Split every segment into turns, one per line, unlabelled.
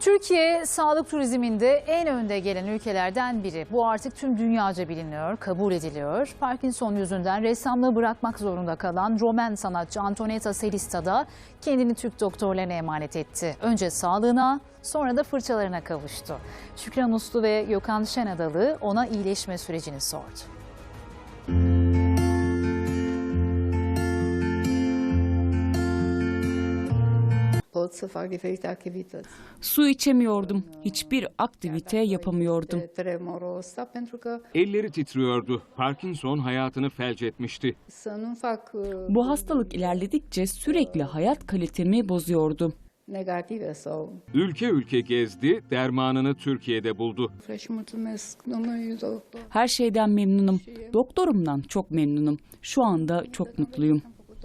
Türkiye sağlık turizminde en önde gelen ülkelerden biri. Bu artık tüm dünyaca biliniyor, kabul ediliyor. Parkinson yüzünden ressamlığı bırakmak zorunda kalan Romen sanatçı Antonietta Selista da kendini Türk doktorlarına emanet etti. Önce sağlığına, sonra da fırçalarına kavuştu. Şükran Uslu ve Gökhan Şenadalı ona iyileşme sürecini sordu.
Su içemiyordum, hiçbir aktivite yapamıyordum.
Elleri titriyordu. Parkinson hayatını felç etmişti.
Bu hastalık ilerledikçe sürekli hayat kalitemi bozuyordu.
Ülke ülke gezdi, dermanını Türkiye'de buldu.
Her şeyden memnunum. Doktorumdan çok memnunum. Şu anda çok mutluyum.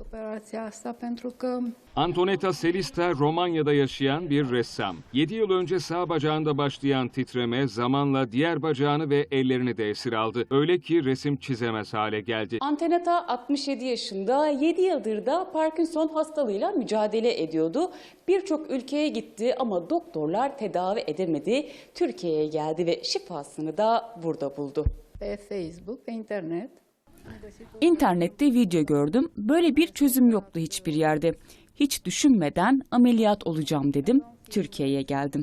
Antonietta Selista Romanya'da yaşayan bir ressam. 7 yıl önce sağ bacağında başlayan titreme zamanla diğer bacağını ve ellerini de esir aldı. Öyle ki resim çizemez hale geldi.
Antonietta 67 yaşında, 7 yıldır da Parkinson hastalığıyla mücadele ediyordu. Birçok ülkeye gitti ama doktorlar tedavi edemedi. Türkiye'ye geldi ve şifasını da burada buldu.
Facebook ve internet.
İnternette video gördüm. Böyle bir çözüm yoktu hiçbir yerde. Hiç düşünmeden ameliyat olacağım dedim. Türkiye'ye geldim.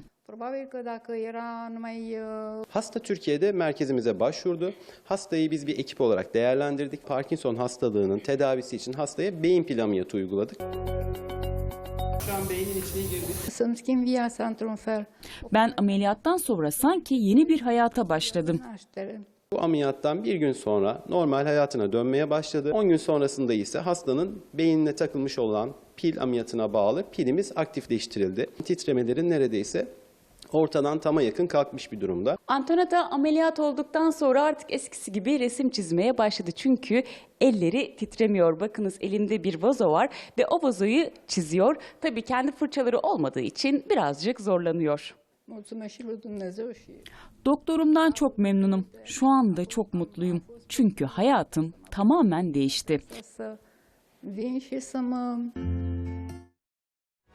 Hasta Türkiye'de merkezimize başvurdu. Hastayı biz bir ekip olarak değerlendirdik. Parkinson hastalığının tedavisi için hastaya beyin pil ameliyatı uyguladık. Şu an beynin içine girdik.
Ben ameliyattan sonra sanki yeni bir hayata başladım.
Bu ameliyattan bir gün sonra normal hayatına dönmeye başladı. 10 gün sonrasında ise hastanın beynine takılmış olan pil ameliyatına bağlı pilimiz aktifleştirildi. Titremelerin neredeyse ortadan tama yakın kalkmış bir durumda.
Antonietta ameliyat olduktan sonra artık eskisi gibi resim çizmeye başladı. Çünkü elleri titremiyor. Bakınız elimde bir vazo var ve o vazoyu çiziyor. Tabii kendi fırçaları olmadığı için birazcık zorlanıyor.
Doktorumdan çok memnunum. Şu anda çok mutluyum. Çünkü hayatım tamamen değişti.
Vin și să mă